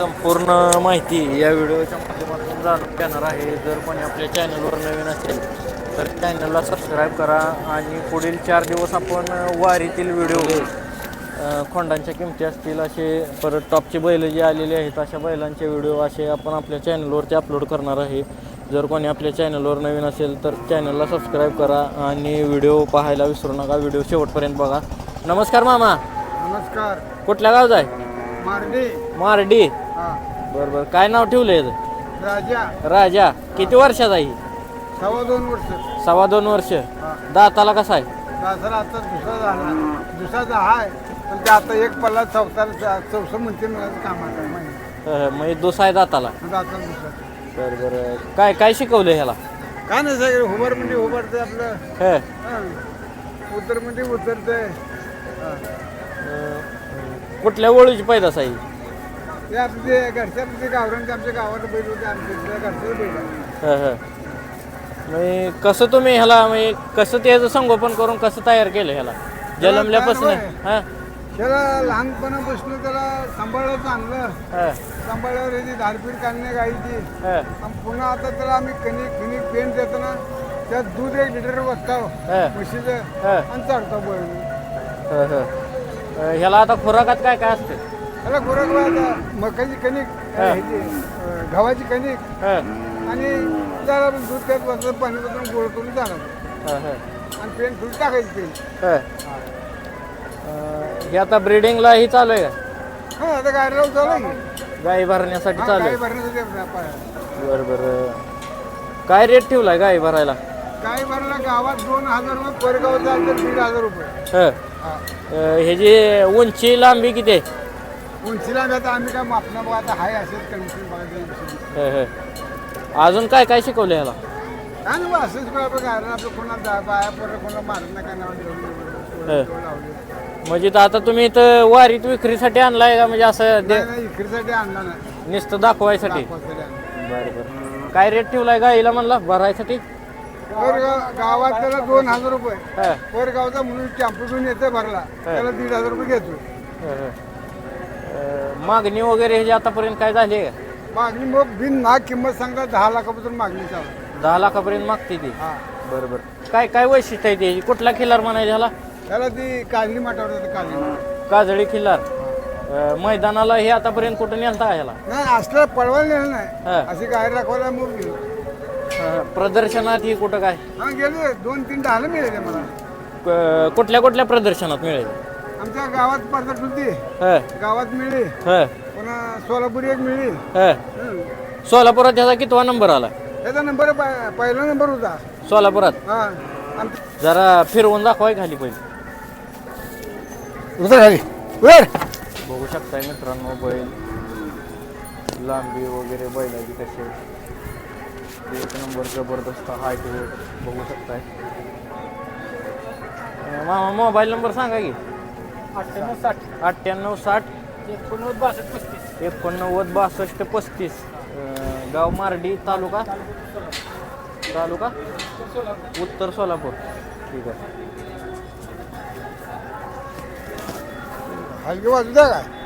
संपूर्ण माहिती या व्हिडिओच्या माध्यमातून जाणून घेणार आहे. जर कोणी आपल्या चॅनलवर नवीन असेल तर चॅनलला सबस्क्राईब करा आणि पुढील 4 दिवस आपण वारीतील व्हिडिओ खोंडांच्या किमती असतील असे, परत टॉपचे बैल जे आलेले आहेत अशा बैलांचे व्हिडिओ असे आपण आपल्या चॅनलवरती अपलोड करणार आहे. जर कोणी आपल्या चॅनलवर नवीन असेल तर चॅनलला सबस्क्राईब करा आणि व्हिडिओ पाहायला विसरू नका. व्हिडिओ शेवटपर्यंत बघा. नमस्कार मामा. नमस्कार. कुठल्या गावचा आहे? मारडी. मारडी. हा. बरोबर. काय नाव ठेवलंय? राजा. राजा. किती वर्षाचा आहे? 2.25 वर्ष. 2.25 वर्ष. हा. दाताला कसा आहे? दासरा आता दुसरा झाला. दुसराचा आहे पण ते आता एक पल्ला चौसा म्हणते मिळालं कामाला म्हणजे दुसरा आहे दाताला. दाता दुसरा. बरं. काय काय शिकवलं ह्याला? काय नाही सगळं हुबर म्हणजे हुबरते आपलं. हे उतर म्हणजे उतरते. कुठल्या ओळीची पैदास आहे? ते आपले घरच्या गावरांचे आमच्या गावात बैल होते. आमच्या घरचे बैल आहे. म्हणजे कसं तुम्ही ह्याला म्हणजे कसं त्याचं संगोपन करून कसं तयार केलं ह्याला जन्मल्यापासून? हां. त्याला लहानपणापासून त्याला सांभाळलं चांगलं. सांभाळल्यावर याची धारपीठ काढणे गाईची. पुन्हा आता त्याला आम्ही कणिक पेंट देतो ना, त्यात दूध 1 लिटर बसताव म्हशीचं आणि चढतो बैल. ह्याला आता खुराकात काय काय असते? त्याला खुराक मकाची कणिक, गव्हाची कणिक आणि त्याला दूध त्यात बसलं, पाणी बसून गोळ करून चालायचं आणि पेंट फुल टाकायची पेंट. हे आता ब्रीडिंगला ही चालू आहे का? हा, आता गाडीला चालू आहे. गाई भरण्यासाठी चालू गाई आहे? भरण्यासाठी. बरं. काय रेट ठेवलाय गाई भरायला? गाई भरायला गावात 2,000 रुपये, परगाव चालतं 1,500 रुपये. हे जे उंची लांबी किती आहे? उंचीला आता आम्ही काय मापना बघा, आता हाय असेच कंडिशन बघायचं. अजून काय काय शिकवलं ह्याला? काय नाही असंच आपलं गायला आपलं कोणाला बाया पोरं कोणाला मारत नाही, काय नाव म्हणजे आता तुम्ही इथं वारीत विक्रीसाठी आणलाय का? म्हणजे असं विक्रीसाठी आणला नाही, नुसतं दाखवायसाठी. बरं. काय रेट ठेवलाय गाईला म्हणला भरायसाठी? गावात त्याला 2,000 रुपये. परगावचा म्हणून टॅम्पो घेऊन येते भरला, त्याला 1,500 रुपये घेतो. मागणी वगैरे ह्याची आतापर्यंत काय झाली आहे का? मागणी मग बिन ना किंमत सांगा 10 लाखापासून मागणी चालू. 10 लाखापर्यंत मागते ती? बरोबर. काय काय वैशिष्ट्य आहे त्याची? कुठला खिल्लार म्हणायचं ह्याला? त्याला ती काजळी माटावर जाते. काजळी खिल्लार. मैदानाला हे आतापर्यंत कुठं नेलता का ह्याला? नाही, असलं पळवायला नेलं नाही, अशी गाय राखवायला मग गेलो. प्रदर्शनात ही कुठं काय? गेले 2-3 ढालं मिळाले मला. कुठल्या प्रदर्शनात मिळेल? आमच्या गावात स्पर्धा होती, गावात मिळली. पुन्हा सोलापूर एक मिळली. सोलापुरात ह्याचा कितवा नंबर आला? त्याचा नंबर पहिला नंबर होता सोलापुरात. जरा फिरवून दाखवाय खाली पहिले. बघू शकताय मित्रांनो बैल लांबी वगैरे बैलाची कशी एक नंबर जबरदस्त हाईट बघू शकताय. मामा मोबाईल नंबर सांगा की. 9860 8962 35. गाव मारडी, तालुका उत्तर सोलापूर. ठीक आहे. हलकी वाजू द्या काय.